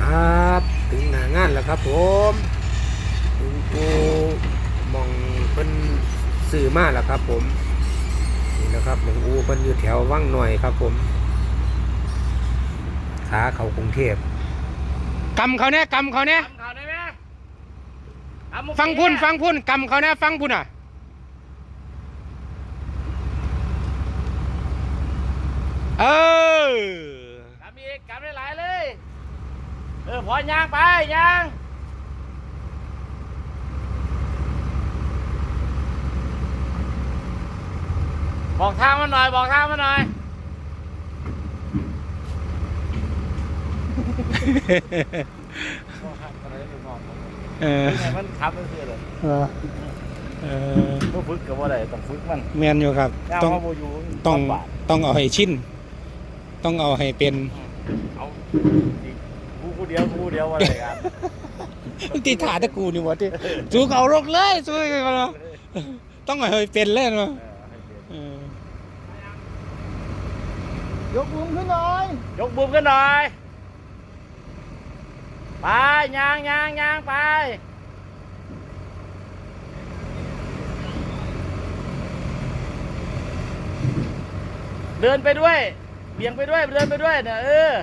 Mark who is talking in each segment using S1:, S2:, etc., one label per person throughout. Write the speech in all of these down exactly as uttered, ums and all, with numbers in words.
S1: ครับถึงหน้างานแล้วครับผมถึงกูมองเพิ่นซื้อมาแล้วครับผมนี่นะครับหลวงอูเพิ่นอยู่แถววังหน่อยครับผมขาเขากรุงเทพกำเขาเนี่ยกำเขาเนี่ย
S2: ทำข่าวได้ไหมทำมุก
S1: ฟังพุ่น
S2: เนี่ย
S1: ฟังพุ่นกำเขาเนี่ยฟังพุ่นอ่ะเออก
S2: ำอีกกำได้หลายเลย เออพอย่างไปย่างบอกทางมาหน่อยบอกทางมาหน่อยบอกทางอะไรไม่บอก
S1: เออ
S2: ยังไงมันขับมันคืออะไร
S1: เออเออ
S2: ต้องฝึกกับว่าอะไรต้องฝึกมัน
S1: แมนอยู่ครับ
S2: ย่าง
S1: ต้อง
S2: มาโมยู
S1: ต้อง
S2: ลำบาก
S1: ต้องเอาให้ชินต้องเอาให้เป็น
S2: เอาอีกกูกูเดียวกูเดียวว่าอะไรกัน
S1: ตีถาตะกูนี่หมดที่สู้เขารกเลยสู้กันมาเนาะต้องเอาให้เป็นเลยเนาะ
S2: เออ
S1: เออย
S2: ให้เป็น
S3: กมุมขึ้นหน่อย
S2: ยกบุมกันหน่อย ไปยางยางยางไป เดินไปด้วยเบี่ยงไปด้วยเดินไปด้วยเนี่ยเออ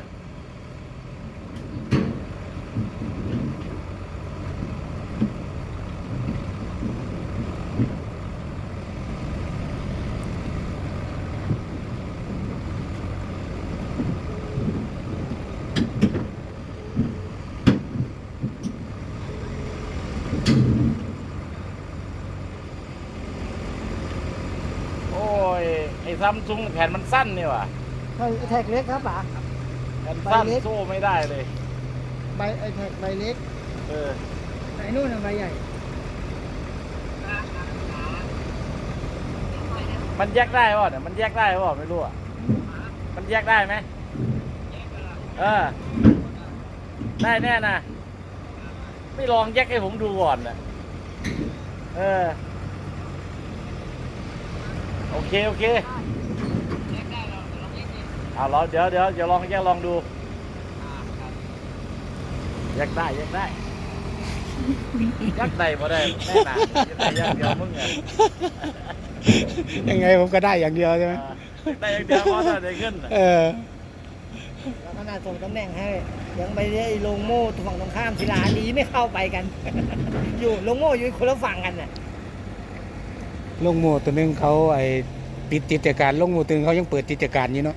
S2: โอ้ยไอ้ซัมซุงแผ่นมันสั้นนี่ว่ะ
S3: ไอแท็กเล็กครับป๋า
S2: แผ่นสั้น
S3: ใบเล็ก
S2: สู้ไม่ได้เลย
S3: ใบไอแท็กใบเล็ก
S2: เออ
S3: ไอนู่นน่ะใบใหญ่
S2: มันแยกได้ป่ะเนี่ยมันแยกได้ป่ะไม่รู้อ่ะมันแยกได้ไหมเออได้แน่นะไม่ลองแยกให้ผมดูก่อนนะเออโอเคโอเคเอาเราเดี๋ยวเดี๋ยวเดี๋ยวลองแยกลองดูแยกได้แยกได้แยกได้พอได้แน่นอนแยกได้อยังเดียวมึงไง
S1: ยังไงผมก็ได้อย่างเดียวใช่ไหม
S2: ได้อย่างเดียวพอได้ขึ้นน่ะ
S1: เออ
S3: แล้วขนาดส่งตำแหน่งให้ยังไปได้ลงโม่ฝั่งตรงข้ามศิลาลีไม่เข้าไปกัน อยู่ลงโม่อยู่คนละฝั่งกันน่ะ
S1: ลงโมตัวหนึงเขาไอ้ปิดกิจการลงโมตัวหนึงเขายังเปิดกิจการอยู่เนาะ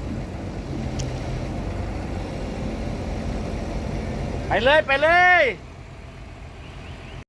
S2: ไปเลยไปเลย